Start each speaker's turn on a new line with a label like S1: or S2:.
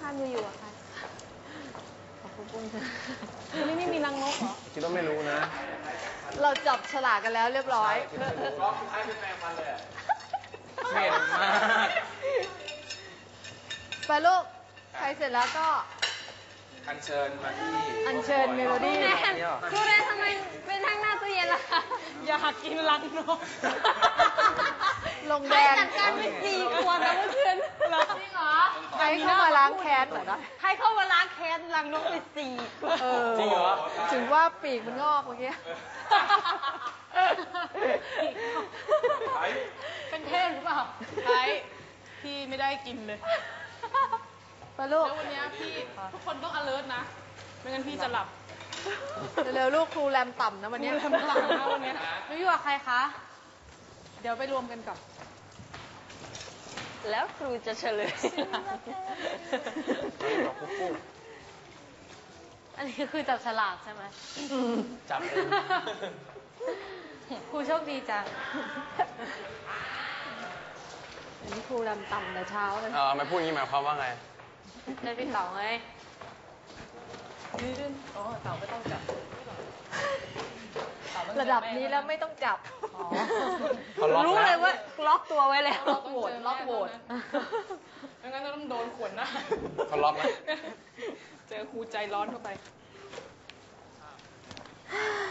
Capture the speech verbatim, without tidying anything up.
S1: านอยู่ๆอะค่ะขอบคุณปุ้งเถอะ
S2: วันนี้ไม่มีนางนกเหรอ
S3: คิดว่าไม่รู้นะ
S1: เราจับฉลากกันแล้วเรียบร้อย
S3: ก็ให้เป็นแฟนมันเลยเหม็นมาก
S1: ไปลูกใครเสร็จแล้วก็
S3: อัญเชิญมาที่
S1: อัญเชิญเมโลดี้
S2: แนนครูแนนทำไมเป็นทั้งหน้าตู้เย็นล่ะคะอยากกินรังนก
S1: ลงแดง
S2: จัดการไปสี่ขวดนะเมื่อคืนเหรอจริงเหรอ
S1: ใครเข้ามาล้างแค้นเหรอนะ
S2: ให้เข้ามาล้างแค้นรังนกไปสี่ขวด
S1: เออ
S3: จริงเหรอ
S1: ถึงว่าปีกมันงอกเมื่อกี้
S2: เป็นเทพหรือเปล่าใช่พี่ไม่ได้กินเลย
S1: ไปลูก
S2: แล้ววันนี้พี่ทุกคนต้อง alert นะ ไม่งั้นพี่จะหลับ
S1: เร็วๆลูกครูแรมต่ำนะวันนี้
S2: ครูแรมต่ำนะวันนี้
S1: ไม่อยู่กับใครคะ
S2: เดี๋ยวไปรวมกันกับ
S4: แล้วครูจะเฉลย
S1: อันนี้คือจับฉลากใช่ไหม
S3: จับเอง
S1: ครูโชคดีจัง อันนี้ครูรำต่ำแต่เช้าเลย
S3: เออมาพูดอย่างนี้หมายความว่าไง
S1: ได้พี่เต๋าไง
S2: อ๋อเต่าไม่ต้องจับ
S1: ระดับนี้แล้วไม่ต้องจับ
S3: เขาล็อก
S4: รู้
S3: แว
S4: เลยว่าล็อกตัวไว้แล้ว
S2: ล็อกโหวตล็อกโหวตไม่งั้นต้องโดนขวนหน้า
S3: เขาล็อกไหม
S2: เจอครูใจร้อนเข้าไป